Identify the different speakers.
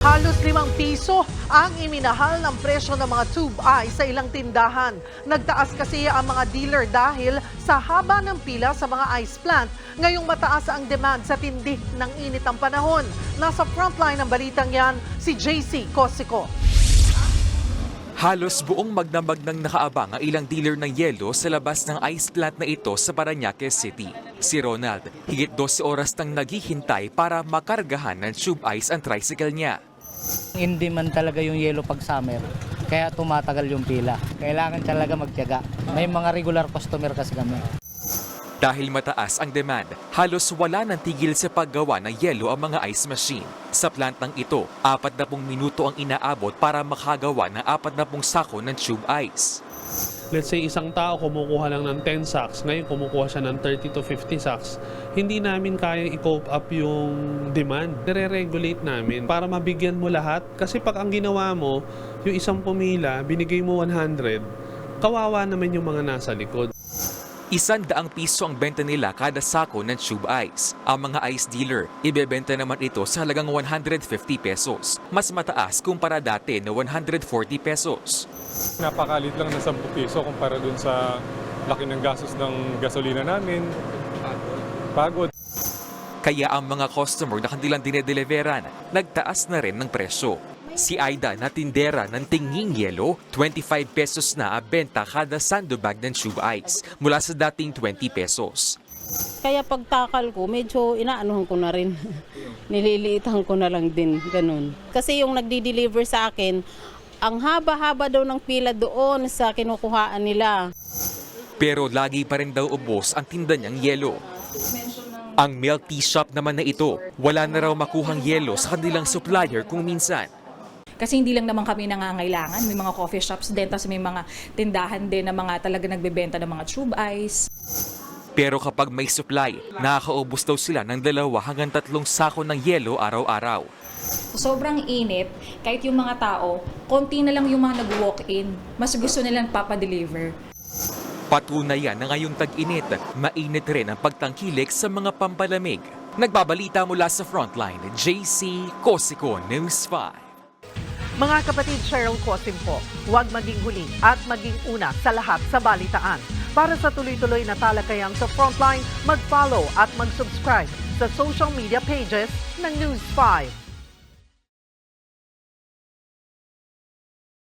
Speaker 1: Halos ₱5 ang iminahal ng presyo ng mga tube ice sa ilang tindahan. Nagtaas kasi ang mga dealer dahil sa haba ng pila sa mga ice plant. Ngayong mataas ang demand sa tindi ng init ng panahon. Nasa frontline ng balitang yan, si JC Cosico.
Speaker 2: Halos buong magdamag ng nakaabang ang ilang dealer ng yelo sa labas ng ice plant na ito sa Parañaque City. Si Ronald, higit 12 oras nang naghihintay para makargahan ng tube ice ang tricycle niya.
Speaker 3: Hindi man talaga yung yelo pag summer, kaya tumatagal yung pila. Kailangan talaga magtiyaga. May mga regular customer kasi kami.
Speaker 2: Dahil mataas ang demand, halos wala nang tigil sa paggawa ng yelo ang mga ice machine. Sa plantang ito, 40 minuto ang inaabot para makagawa ng 40 sako ng tube ice.
Speaker 4: Let's say isang tao kumukuha lang ng 10 sacks, ngayon kumukuha siya ng 30 to 50 sacks. Hindi namin kaya i-cope up yung demand. Nire-regulate namin para mabigyan mo lahat. Kasi pag ang ginawa mo, yung isang pumila, binigay mo 100, kawawa naman yung mga nasa likod.
Speaker 2: ₱100 ang benta nila kada sako ng tube ice. Ang mga ice dealer, ibebenta naman ito sa halagang ₱150. Mas mataas kumpara dati na ₱140.
Speaker 5: Napakalit lang na ₱10 kumpara dun sa laki ng gastos ng gasolina namin. Pagod.
Speaker 2: Kaya ang mga customer na kanilang dinedeliveran, nagtaas na rin ng presyo. Si Aida na tindera ng tinging yelo, ₱25 na ang benta kada sandbag ng tube ice mula sa dating ₱20.
Speaker 6: Kaya pagtakal ko, medyo inaanuhan ko na rin. Nililiitan ko na lang din, ganun. Kasi yung nagdi-deliver sa akin, ang haba-haba daw ng pila doon sa kinukuhaan nila.
Speaker 2: Pero lagi pa rin daw ubos ang tinda niyang yelo. Ang milk tea shop naman na ito, wala na raw makuhang yelo sa kanilang supplier kung minsan.
Speaker 7: Kasi hindi lang naman kami nangangailangan. May mga coffee shops din, tapos may mga tindahan din na mga talaga nagbebenta ng mga tube ice.
Speaker 2: Pero kapag may supply, nakakaubos daw sila ng 2 hanggang 3 sako ng yelo araw-araw.
Speaker 7: Sobrang init, kahit yung mga tao, konti na lang yung mga nag-walk-in. Mas gusto nilang papadeliver.
Speaker 2: Patunay yan na ngayong tag-init, mainit rin ang pagtangkilik sa mga pampalamig. Nagbabalita mula sa Frontline, JC Cosico, News 5.
Speaker 1: Mga kapatid, Cheryl Cosim po, huwag maging huli at maging una sa lahat sa balitaan. Para sa tuloy-tuloy na talakayan sa Frontline, mag-follow at mag-subscribe sa social media pages ng News 5.